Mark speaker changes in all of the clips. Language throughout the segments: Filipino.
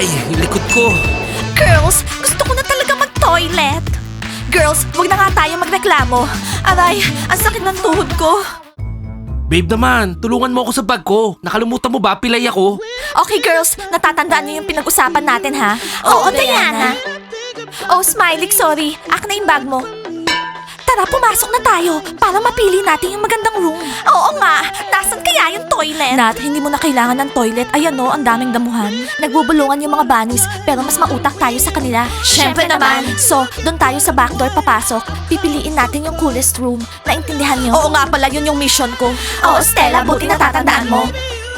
Speaker 1: Aray, yung likod ko.
Speaker 2: Girls, gusto ko na talaga mag-toilet. Girls, wag na nga tayo magreklamo. Aray, ang sakit ng tuhod ko.
Speaker 1: Babe naman, tulungan mo ako sa bag ko. Nakalimutan mo ba, pilay ako?
Speaker 2: Okay girls, natatandaan niyo yung pinag-usapan natin ha? Oo, Diana. Oh, Smiley, sorry. Akin na yung bag mo. Tara, pumasok na tayo para mapili natin yung magandang room. Oo nga, nasan kaya yung toilet? Nat, hindi mo na kailangan ng toilet. Ayan no, ang daming damuhan. Nagbubulungan yung mga bunnies, pero mas mautak tayo sa kanila. Syempre naman. So, doon tayo sa backdoor papasok. Pipiliin natin yung coolest room. Naintindihan niyo? Oo nga pala, yun yung mission ko. Oo, Stella, buti natatandaan mo.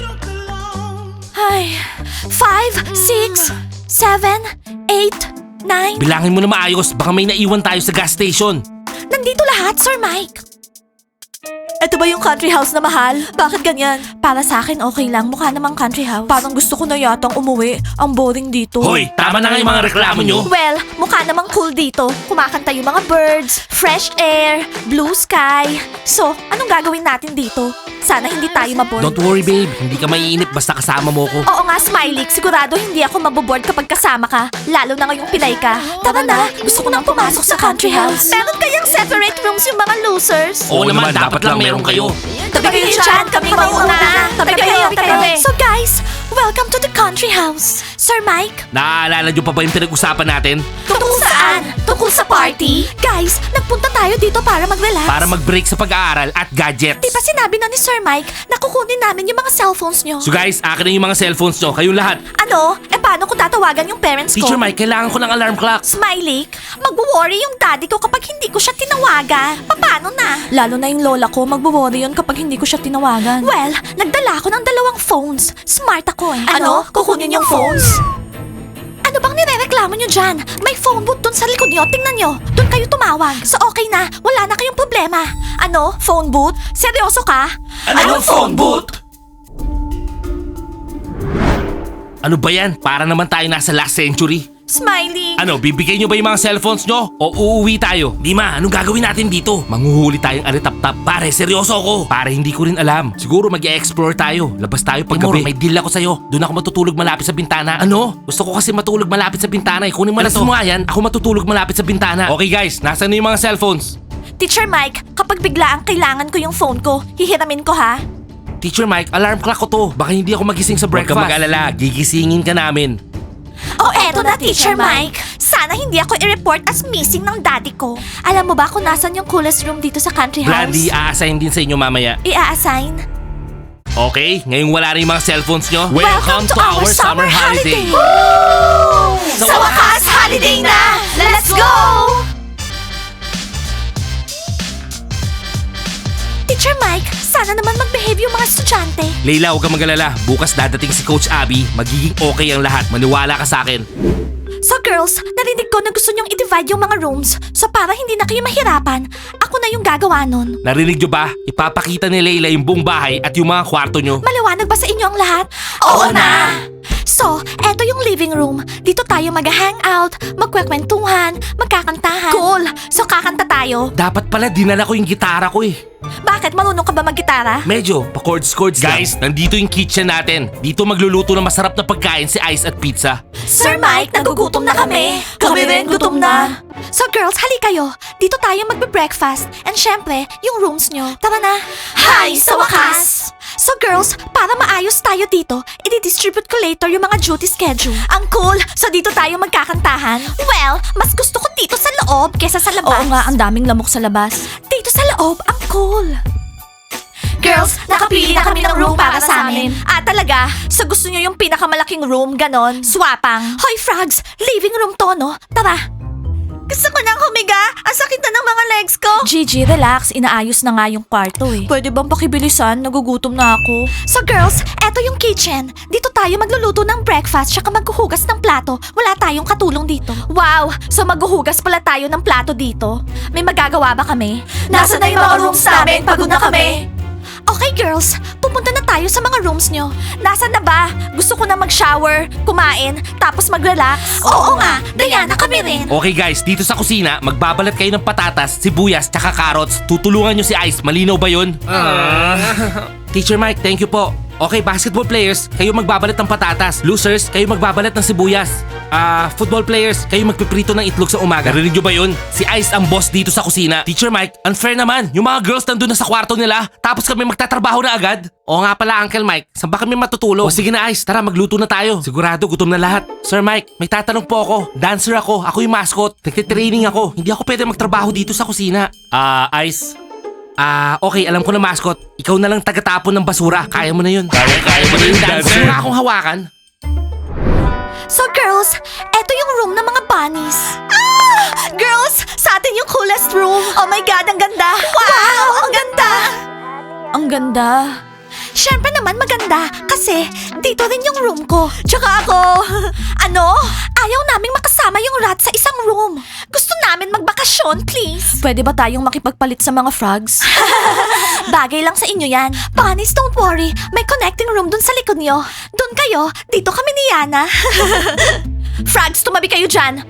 Speaker 2: Ay, 5, 6, 7, 8, 9.
Speaker 1: Bilangin mo na maayos, baka may naiwan tayo sa gas station.
Speaker 2: Nandito lahat, Sir Mike. Ito ba yung country house na mahal? Bakit ganyan? Para sa akin, okay lang. Mukha namang country house. Parang gusto ko na yatang umuwi. Ang boring dito.
Speaker 1: Hoy, tama na nga yung mga reklamo nyo.
Speaker 2: Well, mukha namang cool dito. Kumakanta yung mga birds, fresh air, blue sky. So, anong gagawin natin dito? Sana hindi tayo maboard.
Speaker 1: Don't worry babe, hindi ka maiinip basta kasama mo ko.
Speaker 2: Oo nga, Smiley. Sigurado hindi ako maboboard kapag kasama ka. Lalo na ngayong pilay ka. Tara na, gusto ko nang pumasok sa country house. Meron kayang separate rooms yung mga losers?
Speaker 1: Oo naman, dapat lang meron kayo.
Speaker 2: Tabi kayo dyan, kami mauna. Tabi kayo. So guys, welcome to the country house. Sir Mike?
Speaker 1: Naaalala nyo pa ba yung pinag-usapan natin?
Speaker 2: Tungkol saan? Tungkol sa party? Guys, nagpunta tayo dito para mag-relax.
Speaker 1: Para mag-break sa pag-aaral at gadgets.
Speaker 2: Di ba sinabi na ni Sir Mike na kukunin namin yung mga cellphones nyo?
Speaker 1: So guys, akin na yung mga cellphones nyo, kayong lahat.
Speaker 2: Ano? Paano ko tatawagan yung parents ko?
Speaker 1: Teacher Mike, kailangan ko ng alarm clock.
Speaker 2: Smiley, magwo-worry yung daddy ko kapag hindi ko siya tinawagan. Paano na? Lalo na yung lola ko, magwo-worry yun kapag hindi ko siya tinawagan. Well, nagdala ako ng 2 phones. Smart ako eh. Ano? Kukunin yung phones? Ano bang nirereklamo nyo dyan? May phone booth dun sa likod nyo. Tingnan nyo. Doon kayo tumawag. So okay na. Wala na kayong problema. Ano? Phone booth? Seryoso ka?
Speaker 1: Anong phone booth? Ano ba yan? Para naman tayo nasa last century.
Speaker 2: Smiley.
Speaker 1: Ano, bibigay nyo ba yung mga cellphones nyo? O uuwi tayo? Dima, anong gagawin natin dito? Manghuhuli tayong alitap-tap. Pare, seryoso ako. Pare, hindi ko rin alam. Siguro mag-explore tayo. Labas tayo pag gabi. May deal ako sa'yo. Doon ako matutulog malapit sa bintana. Ano? Gusto ko kasi matulog malapit sa bintana. Kunin mo na to. Mo nga yan. Ako matutulog malapit sa bintana. Okay guys, nasaan na yung mga cellphones?
Speaker 2: Teacher Mike, kapag bigla ang kailangan ko yung phone ko, hihiramin ko ha?
Speaker 1: Teacher Mike, alarm clock ko to. Baka hindi ako magising sa breakfast. Huwag ka mag-alala. Gigisingin ka namin.
Speaker 2: Oh, eto na, Teacher Mike. Sana hindi ako i-report as missing ng daddy ko. Alam mo ba kung nasan yung coolest room dito sa country house?
Speaker 1: Blandy, a-assign din sa inyo mamaya.
Speaker 2: I-a-assign?
Speaker 1: Okay, ngayong wala rin yung mga cellphones nyo.
Speaker 2: Welcome to our summer holiday! Sa wakas, holiday na! Let's go! Teacher Mike, sana naman mag-behave yung mga estudyante.
Speaker 1: Leila, huwag kang mag-alala. Bukas dadating si Coach Abby. Magiging okay ang lahat. Maniwala ka sa akin.
Speaker 2: So girls, narinig ko na gusto nyong i-divide yung mga rooms. So para hindi na kayo mahirapan, ako na yung gagawa nun.
Speaker 1: Narinig nyo ba? Ipapakita ni Leila yung buong bahay at yung mga kwarto nyo.
Speaker 2: Maliwanag ba sa inyo ang lahat? Oo na! So, eto yung living room. Dito tayo mag-hangout, magkwekwentuhan, magkakantahan. Cool! So kakanta tayo.
Speaker 1: Dapat pala dinala ko yung gitara ko eh.
Speaker 2: Bakit? Marunong ka ba mag-gitara?
Speaker 1: Medyo, pa-chords-chords lang. Guys, nandito yung kitchen natin. Dito magluluto ng masarap na pagkain si Ice at Pizza.
Speaker 2: Sir Mike, nagugutom na kami. Kami rin, gutom na. So girls, hali kayo. Dito tayo magbe-breakfast. And syempre, yung rooms nyo. Tara na. Hi, sa wakas! So girls, para maayos tayo dito, i-distribute ko later yung mga duty schedule. Ang cool! So dito tayo magkakantahan? Well, mas gusto ko dito sa loob kesa sa labas. Oo nga, ang daming lamok sa labas. Dito sa loob, ang cool. Girls, nakapili na kami ng room para sa amin. Ah, talaga? So gusto nyo yung pinakamalaking room, ganon? Swapang. Hoy, frogs! Living room to, no? Tara! Gusto ko nang humiga! Ang sakit na ng mga legs ko! Gigi, relax. Inaayos na nga yung kwarto eh. Pwede bang pakibilisan? Nagugutom na ako. So girls, eto yung kitchen. Dito tayo magluluto ng breakfast tsaka maghuhugas ng plato. Wala tayong katulong dito. Wow! So maghuhugas pala tayo ng plato dito? May magagawa ba kami? Nasa na yung mga rooms namin? Pagod na kami! Okay girls, pupunta na tayo sa mga rooms nyo. Nasaan na ba? Gusto ko na mag-shower, kumain, tapos mag-relax. Oo nga, Diana kami rin.
Speaker 1: Okay guys, dito sa kusina, magbabalat kayo ng patatas, sibuyas, tsaka carrots. Tutulungan nyo si Ice. Malinaw ba yun? Teacher Mike, thank you po. Okay, basketball players, kayo magbabalat ng patatas. Losers, kayo magbabalat ng sibuyas. Football players, kayo magpiprito ng itlog sa umaga. Narinig nyo ba yun? Si Ice ang boss dito sa kusina. Teacher Mike, unfair naman. Yung mga girls nandun na sa kwarto nila, tapos kami magtatrabaho na agad. Oo nga pala, Uncle Mike, saan ba kami matutulog? O sige na Ice, tara magluto na tayo. Sigurado gutom na lahat. Sir Mike, may tatanong po ako. Dancer ako yung mascot. Nagtitraining ako. Hindi ako pwede magtrabaho dito sa kusina. Ice, okay, alam ko na mascot. Ikaw na lang tagatapon ng basura. Kaya mo na yun. Kaya mo na yun, dancer. Wala akong hawakan.
Speaker 2: So girls, eto yung room ng mga bunnies. Girls, sa atin yung coolest room. Oh my God, ang ganda. Wow, ang ganda. Ang ganda. Siyempre naman maganda kasi dito rin yung room ko. Tsaka ako, ayaw naming makasama yung rat sa isang room. Gusto namin magbakasyon, please. Pwede ba tayong makipagpalit sa mga frogs? Bagay lang sa inyo yan. Bunnies, don't worry. May connecting room dun sa likod nyo. Dun kayo, dito kami ni Yana. Frogs, tumabi kayo dyan.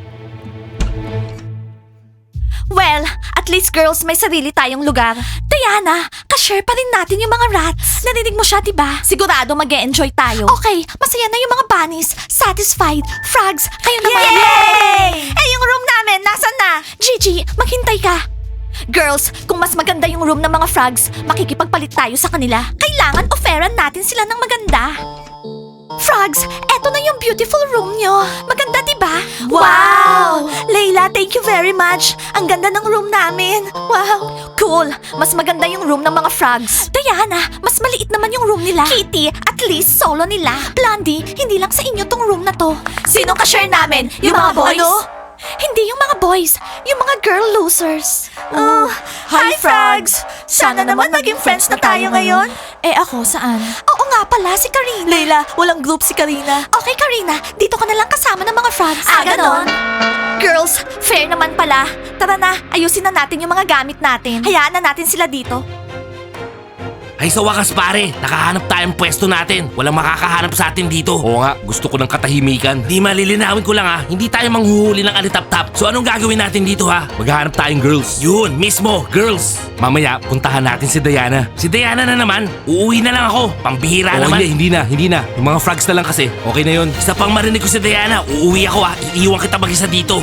Speaker 2: Well, at least girls, may sarili tayong lugar. Diana, ka-share pa rin natin yung mga rats. Narinig mo siya, diba? Sigurado mag-e-enjoy tayo. Okay, masaya na yung mga bunnies. Satisfied. Frogs, kayo naman. Yay! Eh, yung room namin, nasan na? Gigi, maghintay ka. Girls, kung mas maganda yung room ng mga frogs, makikipagpalit tayo sa kanila. Kailangan offeran natin sila ng maganda. Frogs, eto na yung beautiful room nyo. Maganda, diba? Wow! Layla, thank you very much. Ang ganda ng room namin. Wow! Cool. Mas maganda yung room ng mga frogs. Diana, mas maliit naman yung room nila. Kitty, at least solo nila. Blondie, hindi lang sa inyo tong room na to. Sino ka-share namin? Yung mga boys? Hindi yung mga boys, yung mga girl losers. Hi, Frogs! Sana naman maging friends na tayo ngayon. Eh ako, saan? Oo nga pala, si Karina. Layla, walang group si Karina. Okay, Karina, dito ka na lang kasama ng mga frogs. Ganon? Girls, fair naman pala. Tara na, ayusin na natin yung mga gamit natin. Hayaan na natin sila dito.
Speaker 1: Ay sa wakas pare, nakahanap tayong pwesto natin. Walang makakahanap sa atin dito. Oo nga, gusto ko ng katahimikan. Di malilinawin ko lang hindi tayo manghuhuli ng alitap-tap. So anong gagawin natin dito Maghahanap tayong girls. Yun, mismo, girls. Mamaya, puntahan natin si Diana. Si Diana na naman, uuwi na lang ako. Pambihira naman. Hindi na. Yung mga frogs na lang kasi. Okay na yun. Isa pang marinig ko si Diana, uuwi ako Iiwan kita mag-isa dito.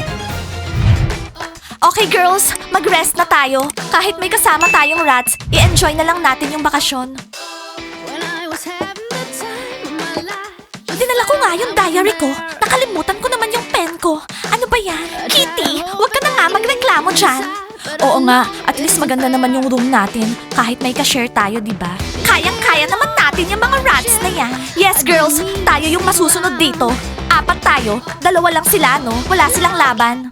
Speaker 2: Okay girls, mag-rest na tayo. Kahit may kasama tayong rats, i-enjoy na lang natin yung bakasyon. Dinala ko nga yung diary ko. Nakalimutan ko naman yung pen ko. Ano ba yan? Kitty, huwag ka na nga magreklamo dyan. Oo nga, at least maganda naman yung room natin. Kahit may ka-share tayo, diba? Kayang-kaya naman natin yung mga rats na yan. Yes girls, tayo yung masusunod dito. 4 tayo, 2 lang sila no? Wala silang laban.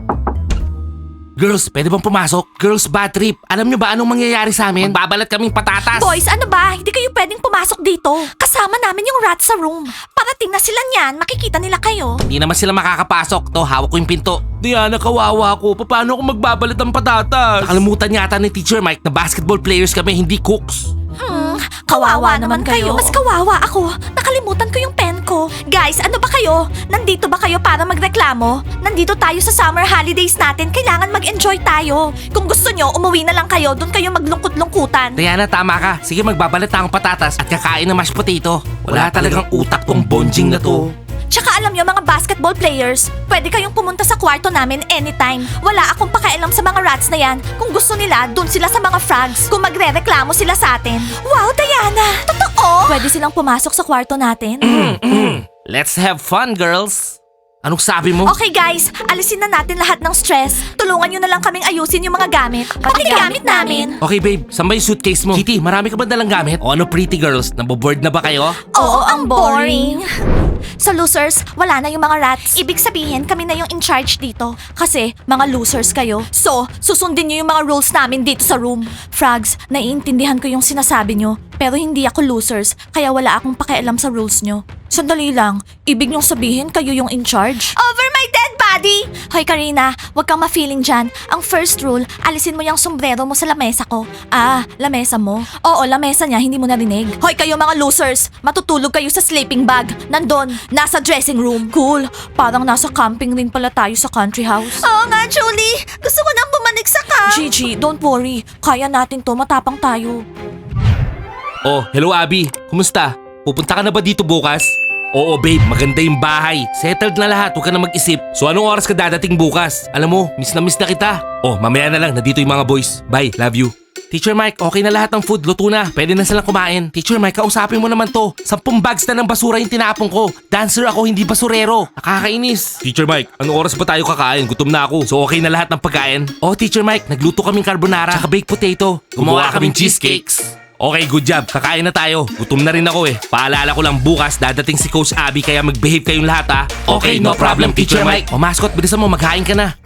Speaker 1: Girls, pwede bang pumasok? Girls, bad trip. Alam nyo ba anong mangyayari sa amin? Magbabalat kaming patatas.
Speaker 2: Boys, ano ba? Hindi kayo pwedeng pumasok dito. Kasama namin yung rats sa room. Parating na sila niyan, makikita nila kayo.
Speaker 1: Hindi naman sila makakapasok. To, hawak ko yung pinto. Diana, kawawa ko. Paano ako magbabalat ng patatas? Nakalimutan yata ni Teacher Mike na basketball players kami, hindi cooks.
Speaker 2: Kawawa naman kayo. Mas kawawa ako. Nakalimutan ko yung pen ko. Guys, ano ba kayo? Nandito ba kayo para magreklamo? Nandito tayo sa summer holidays natin. Kailangan mag-enjoy tayo. Kung gusto nyo, umuwi na lang kayo. Doon kayo maglungkot-lungkutan.
Speaker 1: Diana, tama ka. Sige, magbabalat akong patatas at kakain ng mashed potato. Wala talagang utak tong bonjing na to.
Speaker 2: Tsaka alam nyo mga basketball players, pwede kayong pumunta sa kwarto namin anytime. Wala akong pakialam sa mga rats na yan. Kung gusto nila, dun sila sa mga frogs. Kung magre-reklamo sila sa atin. Wow, Diana! Totoo? Pwede silang pumasok sa kwarto natin.
Speaker 1: Let's have fun, girls. Anong sabi mo?
Speaker 2: Okay guys, alisin na natin lahat ng stress. Tulungan nyo na lang kaming ayusin yung mga gamit. Pati gamit namin.
Speaker 1: Okay, babe. Saan ba yung suitcase mo? Kitty, marami ka ba dalang gamit? O ano, pretty girls? Naboboard na ba kayo?
Speaker 2: Oo, ang boring. So losers, wala na yung mga rats. Ibig sabihin, kami na yung in charge dito. Kasi, mga losers kayo. So, susundin nyo yung mga rules namin dito sa room. Frogs, naiintindihan ko yung sinasabi nyo. Pero hindi ako losers, kaya wala akong pakialam sa rules nyo. Sandali lang, ibig nyong sabihin kayo yung in charge? Over my dead body! Hoy Karina, wag kang ma-feeling dyan. Ang first rule, alisin mo yung sombrero mo sa lamesa ko. Lamesa mo? Oo, lamesa niya, hindi mo narinig. Hoy kayo mga losers, matutulog kayo sa sleeping bag. Nandun, nasa dressing room. Cool, parang nasa camping rin pala tayo sa country house. Oo nga, Julie. Gusto ko nang bumanig sa camp. Gigi, don't worry. Kaya natin to, matapang tayo.
Speaker 1: Oh, hello Abby. Kumusta? Pupunta ka na ba dito bukas? Oo babe, maganda yung bahay. Settled na lahat, huwag ka na mag-isip. So anong oras ka dadating bukas? Alam mo, miss na kita. Oh, mamaya na lang, nandito yung mga boys. Bye, love you. Teacher Mike, okay na lahat ng food, luto na. Pwede na silang kumain. Teacher Mike, kausapin mo naman to. 10 bags na ng basura yung tinapon ko. Dancer ako, hindi basurero. Nakakainis. Teacher Mike, anong oras ba tayo kakain? Gutom na ako. So okay na lahat ng pagkain? Oh, Teacher Mike, nagluto kaming carbonara. Tsaka baked potato. Gumawa kaming cheesecakes. Okay, good job. Kakain na tayo. Gutom na rin ako eh. Paalala ko lang bukas, dadating si Coach Abby kaya mag-behave kayong lahat ha. Okay, no problem, Teacher Mike. O mascot, bilisan mo, maghain ka na.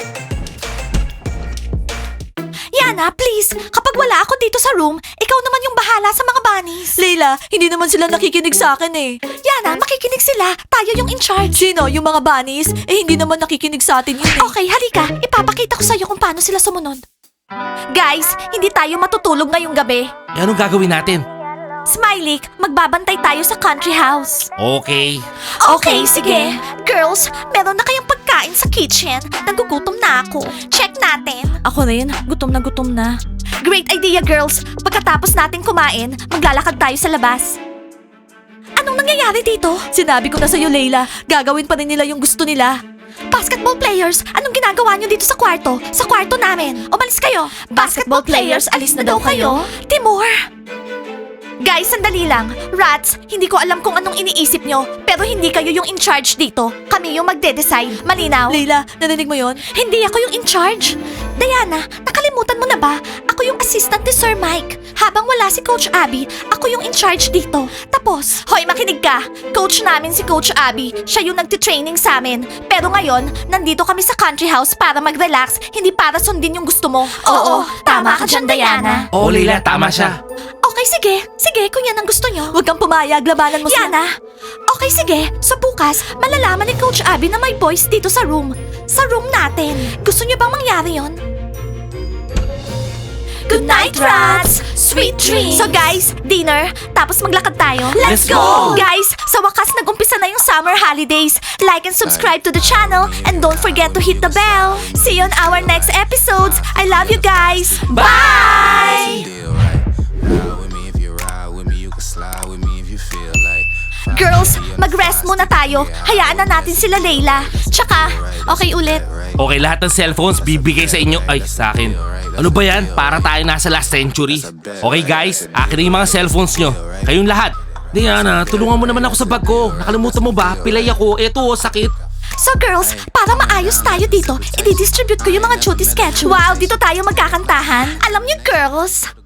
Speaker 2: Yana, please, kapag wala ako dito sa room, ikaw naman yung bahala sa mga bunnies. Leila, hindi naman sila nakikinig sa akin eh. Yana, makikinig sila. Tayo yung in charge. Sino? Yung mga bunnies? Eh, hindi naman nakikinig sa atin yun eh. Okay, halika. Ipapakita ko sa'yo kung paano sila sumunod. Guys, hindi tayo matutulog ngayong gabi.
Speaker 1: Eh, anong gagawin natin?
Speaker 2: Smiley, magbabantay tayo sa country house.
Speaker 1: Okay.
Speaker 2: Okay, sige. Girls, meron na kayong pagkain sa kitchen. Nagugutom na ako. Check natin. Ako rin. Gutom na. Great idea, girls. Pagkatapos natin kumain, maglalakad tayo sa labas. Anong nangyayari dito? Sinabi ko na sa'yo, Leila. Gagawin pa rin nila yung gusto nila. Basketball players, anong ginagawa nyo dito sa kwarto? Sa kwarto namin. Umalis kayo. Basketball players, alis na daw kayo. Timur! Guys, sandali lang. Rats, hindi ko alam kung anong iniisip nyo, pero hindi kayo yung in charge dito. Kami yung magde-decide. Malinaw? Leila, narinig mo yon? Hindi ako yung in charge. Diana, nakalimutan mo na ba? Ako yung assistant ni Sir Mike. Habang wala si Coach Abby, ako yung in charge dito. Tapos, hoy makinig ka. Coach namin si Coach Abby. Siya yung nagtitraining sa amin. Pero ngayon, nandito kami sa country house para mag-relax, hindi para sundin yung gusto mo. Oo, tama ka dyan, Diana.
Speaker 1: Oo, Leila, tama siya.
Speaker 2: Okay, sige. Sige, kung yan ang gusto nyo. Huwag kang pumayag, labanan mo Yana! Okay, sige. So bukas, malalaman ni Coach Abby na may boys dito sa room. Sa room natin. Gusto nyo bang mangyari yon? Good night, rats! Sweet dreams! So guys, dinner, tapos maglakad tayo.
Speaker 1: Let's go!
Speaker 2: Guys, sa wakas nag-umpisa na yung summer holidays. Like and subscribe to the channel and don't forget to hit the bell. See you on our next episodes. I love you guys. Bye!
Speaker 3: Deal, right? Ride with me if you ride with me, you can slide with me if you feel like.
Speaker 2: Girls, mag-rest muna tayo. Hayaan na natin sila Layla. Tsaka, okay ulit.
Speaker 1: Okay, lahat ng cellphones bibigay sa inyo. Ay, sa akin. Ano ba yan? Para tayo nasa last century. Okay guys, akin na yung mga cellphones nyo. Kayong lahat. Diana, tulungan mo naman ako sa bag ko. Nakalimutan mo ba? Pilay ako. Eto, sakit.
Speaker 2: So girls, para maayos tayo dito, i-distribute ko yung mga duty schedule. Wow, dito tayo magkakantahan. Alam niyo girls,